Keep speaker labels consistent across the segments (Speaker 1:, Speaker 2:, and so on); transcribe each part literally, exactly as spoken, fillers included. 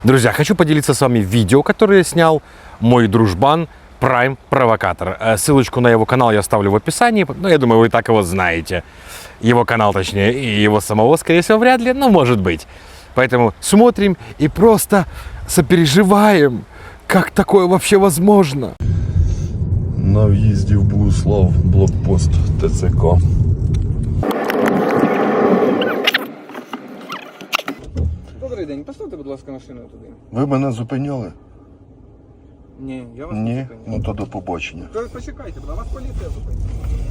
Speaker 1: Друзья, хочу поделиться с вами видео, которое снял мой дружбан Prime Провокатор. Ссылочку на его канал я оставлю в описании, но я думаю, вы и так его знаете. Его канал, точнее, и его самого, скорее всего, вряд ли, но может быть. Поэтому смотрим и просто сопереживаем, как такое вообще возможно.
Speaker 2: На в'їзді в Богуслав, блокпост ТЦК.
Speaker 3: Добрий день, поставте, будь ласка, машину туди.
Speaker 2: Ви мене зупиняли?
Speaker 3: Ні, я вас
Speaker 2: Ні?
Speaker 3: не зупиняв.
Speaker 2: Ну то до побачення.
Speaker 3: То почекайте, будь ласка, вас поліція зупинила.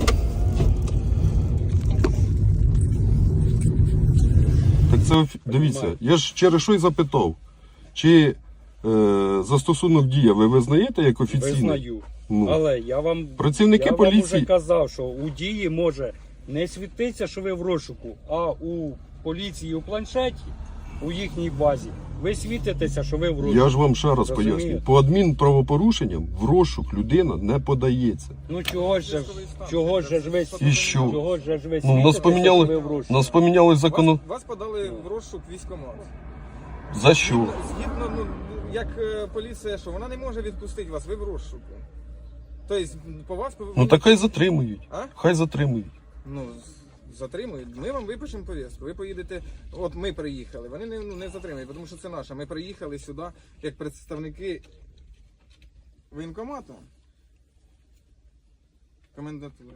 Speaker 2: Так це, офі- дивіться, я ж через що й запитав, чи е, застосунок дія ви визнаєте як офіційний?
Speaker 4: Визнаю.
Speaker 2: Ну.
Speaker 4: Але я вам,
Speaker 2: Працівники
Speaker 4: я
Speaker 2: поліції-
Speaker 4: вам вже казав, що у дії може не світитися, що ви в розшуку, а у поліції у планшеті, у їхній базі, ви світитеся, що ви в розшуку.
Speaker 2: Я ж вам ще раз
Speaker 4: Розумієте?
Speaker 2: поясню. По адмінправопорушенням в розшук людина не подається.
Speaker 4: Ну чого ж, чого ж ви,
Speaker 2: І що?
Speaker 4: чого ж ви
Speaker 2: Ну, нас
Speaker 4: світитеся,
Speaker 2: поміняли,
Speaker 4: що ви в розшуку?
Speaker 2: нас поміняли закон.
Speaker 3: Вас, вас подали в розшук військкомат.
Speaker 2: За що?
Speaker 3: Згідно, ну, як е, поліція, що вона не може відпустити вас, ви в розшуку. Тобто, по вас...
Speaker 2: Ну так хай затримують.
Speaker 3: А?
Speaker 2: Хай затримують.
Speaker 3: Ну, з- затримують. Ми вам випишемо повістку. Ви поїдете, от ми приїхали. Вони не, ну, не затримують, тому що це наша. Ми приїхали сюди як представники воєнкомату. Комендатури.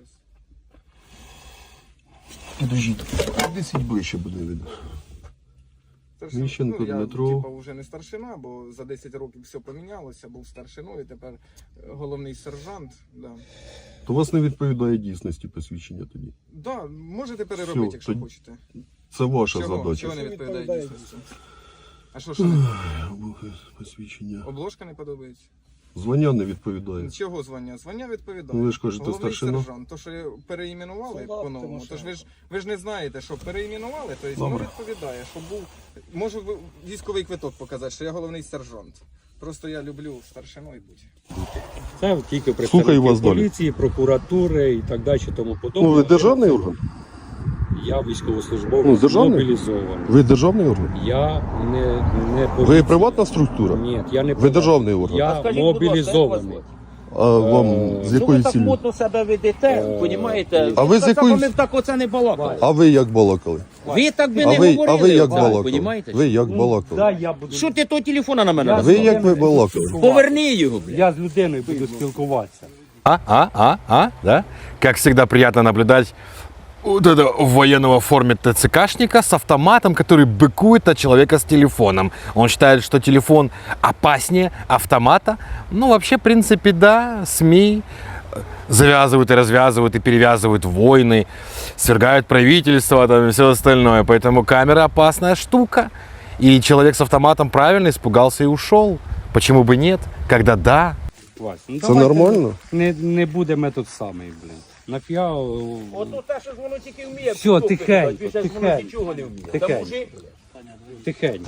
Speaker 2: Підожіть. Десять ближче буде видно.
Speaker 3: Старшин-
Speaker 2: Міщенко
Speaker 3: ну, я,
Speaker 2: Дмитро.
Speaker 3: типа, вже не старшина, бо за десять років все помінялося, був старшиною, тепер е, головний сержант. Да.
Speaker 2: То у вас не відповідає дійсності посвідчення тоді.
Speaker 3: Да, можете переробити,
Speaker 2: Всьо,
Speaker 3: якщо
Speaker 2: тоді-
Speaker 3: хочете.
Speaker 2: Це ваша
Speaker 3: Чого?
Speaker 2: задача.
Speaker 3: Чого не відповідає дійсності? А що, що не...
Speaker 2: Посвідчення.
Speaker 3: Обложка не подобається?
Speaker 2: Звання не відповідає.
Speaker 3: Чого звання? Звання відповідає.
Speaker 2: Ну, ви ж кажете,
Speaker 3: Головний
Speaker 2: старшина.
Speaker 3: сержант. То, що переіменували
Speaker 4: Солдат,
Speaker 3: по-новому,
Speaker 4: Тимошенко.
Speaker 3: то ж ви ж, ви ж не знаєте, що переіменували, то воно
Speaker 2: Добре.
Speaker 3: відповідає, що був... Можу ви- військовий квиток показати, що я головний сержант. Просто я люблю старшиною бути.
Speaker 4: Це тільки
Speaker 2: Слухаю
Speaker 4: представники
Speaker 2: вас далі.
Speaker 4: поліції, прокуратури і так далі, тому подобне.
Speaker 2: Ну, ви державний орган?
Speaker 4: Я військовослужбовець,
Speaker 2: Ну, державний?
Speaker 4: мобілізований.
Speaker 2: Ви державний орган?
Speaker 4: Я не, не
Speaker 2: Ви
Speaker 4: поліція.
Speaker 2: приватна структура?
Speaker 4: Ні, я не
Speaker 2: Ви державний орган?
Speaker 4: Я мобілізований.
Speaker 2: А вам з
Speaker 5: Що
Speaker 2: якої
Speaker 5: ви так
Speaker 2: цілі?
Speaker 5: модно себе ведете, понімаєте?
Speaker 2: А ви з якої-
Speaker 5: Ми б так оце не балакали.
Speaker 2: А ви як балакали?
Speaker 5: Ви так би
Speaker 2: А
Speaker 5: не
Speaker 2: ви, а
Speaker 5: говорили,
Speaker 2: ви як
Speaker 5: Вань,
Speaker 2: балакали?
Speaker 5: понімаєте?
Speaker 2: Ви як
Speaker 4: Да,
Speaker 2: балакали?
Speaker 4: я буду.
Speaker 5: Що ти того телефона на мене?
Speaker 4: Я-
Speaker 2: Ви
Speaker 5: назвав?
Speaker 2: як ви балакали?
Speaker 5: Поверни його, блядь.
Speaker 4: Я з людиною буду спілкуватися.
Speaker 1: А, а, а, а, да? Как всегда приятно наблюдать вот это военного в форме ТЦКшника с автоматом, который быкует от человека с телефоном. Он считает, что телефон опаснее автомата. Ну, вообще, в принципе, да, СМИ завязывают и развязывают и перевязывают войны, свергают правительство там, и все остальное. Поэтому камера опасная штука. И человек с автоматом правильно испугался и ушел. Почему бы нет, когда да?
Speaker 4: Вась, ну,
Speaker 2: Це
Speaker 4: давайте
Speaker 2: нормально?
Speaker 4: Не, не буде метод самий, блін. Нафіга.
Speaker 5: Ото те, що ж воно тільки вміє.
Speaker 4: Все,
Speaker 5: кнопки
Speaker 4: тихенько,
Speaker 5: кидати, більше ж воно
Speaker 4: тихенько.
Speaker 5: нічого не вміє.
Speaker 4: Тихенько.
Speaker 5: Та мужик,
Speaker 4: Тихенько.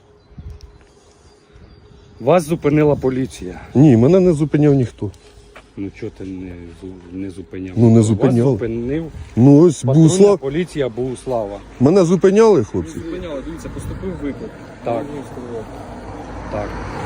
Speaker 4: Вас зупинила поліція.
Speaker 2: Ні, мене не зупиняв ніхто.
Speaker 4: Ну чого ти не, зу- не зупиняв?
Speaker 2: Ну, не
Speaker 4: Вас
Speaker 2: зупиняв.
Speaker 4: зупинив
Speaker 2: Ну ось
Speaker 4: патрульна
Speaker 2: Богуслав.
Speaker 4: поліція Богуслава.
Speaker 2: Мене зупиняли, хлопці?
Speaker 3: Зупиняли, дивіться, поступив виклик.
Speaker 4: Так. Так.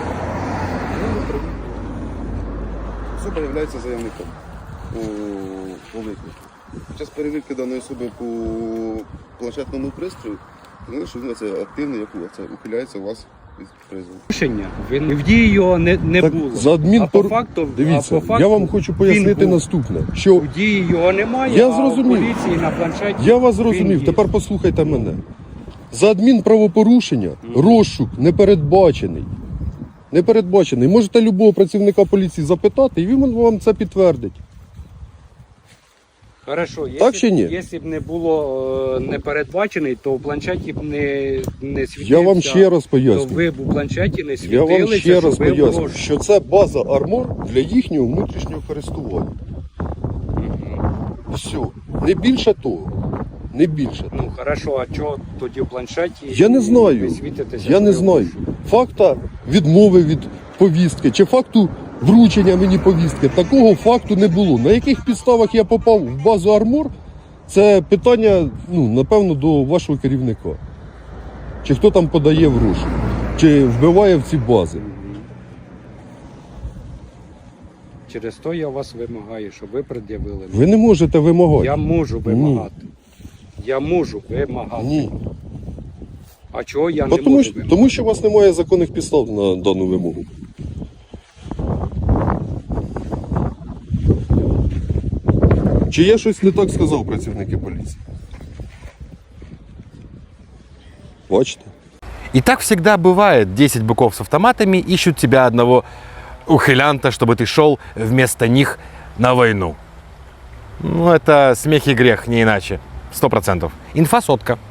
Speaker 6: Особа є заявником у, у виклику. Під час перевірки даної особи по планшетному пристрою, сказали, що він це активний, як це ухиляється у вас від призову.
Speaker 4: Рішення. Він в дії його не, не
Speaker 2: Так
Speaker 4: було.
Speaker 2: за адмінпор-
Speaker 4: А по факту,
Speaker 2: Дивіться,
Speaker 4: а по факту
Speaker 2: я вам хочу пояснити
Speaker 4: він був.
Speaker 2: наступне. Що
Speaker 4: У дії його немає,
Speaker 2: Я
Speaker 4: а
Speaker 2: зрозумів.
Speaker 4: у поліції на планшеті.
Speaker 2: я вас
Speaker 4: він
Speaker 2: зрозумів,
Speaker 4: є.
Speaker 2: тепер послухайте мене. За адмінправопорушення розшук не передбачений. Не передбачений. Можете любого працівника поліції запитати, і він вам це підтвердить.
Speaker 4: Хорошо, якщо,
Speaker 2: Так чи ні?
Speaker 4: Якщо б не було е, не передбачений, то в планшеті б не, не світився.
Speaker 2: Я вам ще раз
Speaker 4: То
Speaker 2: поясню.
Speaker 4: ви б у планшеті не
Speaker 2: Я
Speaker 4: світилися,
Speaker 2: вам ще раз
Speaker 4: що ви в
Speaker 2: поясню,
Speaker 4: розшуку.
Speaker 2: що це база армор для їхнього внутрішнього користування. Все. Не більше того. Не більше того.
Speaker 4: Ну, хорошо, а чого тоді в планшеті
Speaker 2: Я не знаю.
Speaker 4: ви світитеся?
Speaker 2: Я
Speaker 4: що
Speaker 2: не
Speaker 4: ви в
Speaker 2: знаю.
Speaker 4: розшуку?
Speaker 2: Факта відмови від повістки чи факту вручення мені повістки. Такого факту не було. На яких підставах я попав в базу армор, це питання, ну, напевно, до вашого керівника. Чи хто там подає в розшук. чи вбиває в ці бази.
Speaker 4: Через то я вас вимагаю, щоб ви пред'явили.
Speaker 2: Ви не можете вимагати.
Speaker 4: Я можу вимагати. Я можу вимагати.
Speaker 2: Ні.
Speaker 4: А чого я не
Speaker 2: Бо Тому,
Speaker 4: можу
Speaker 2: що-
Speaker 4: вимагати?
Speaker 2: тому що у вас немає законних підстав на дану вимогу. Чи я щось не так сказав, працівники поліції? Бачите?
Speaker 1: И так всегда бывает. десять быков с автоматами ищут тебя одного ухилянта, чтобы ты шел вместо них на войну. Ну, это смех и грех, не иначе. Сто процентов. Инфа сотка.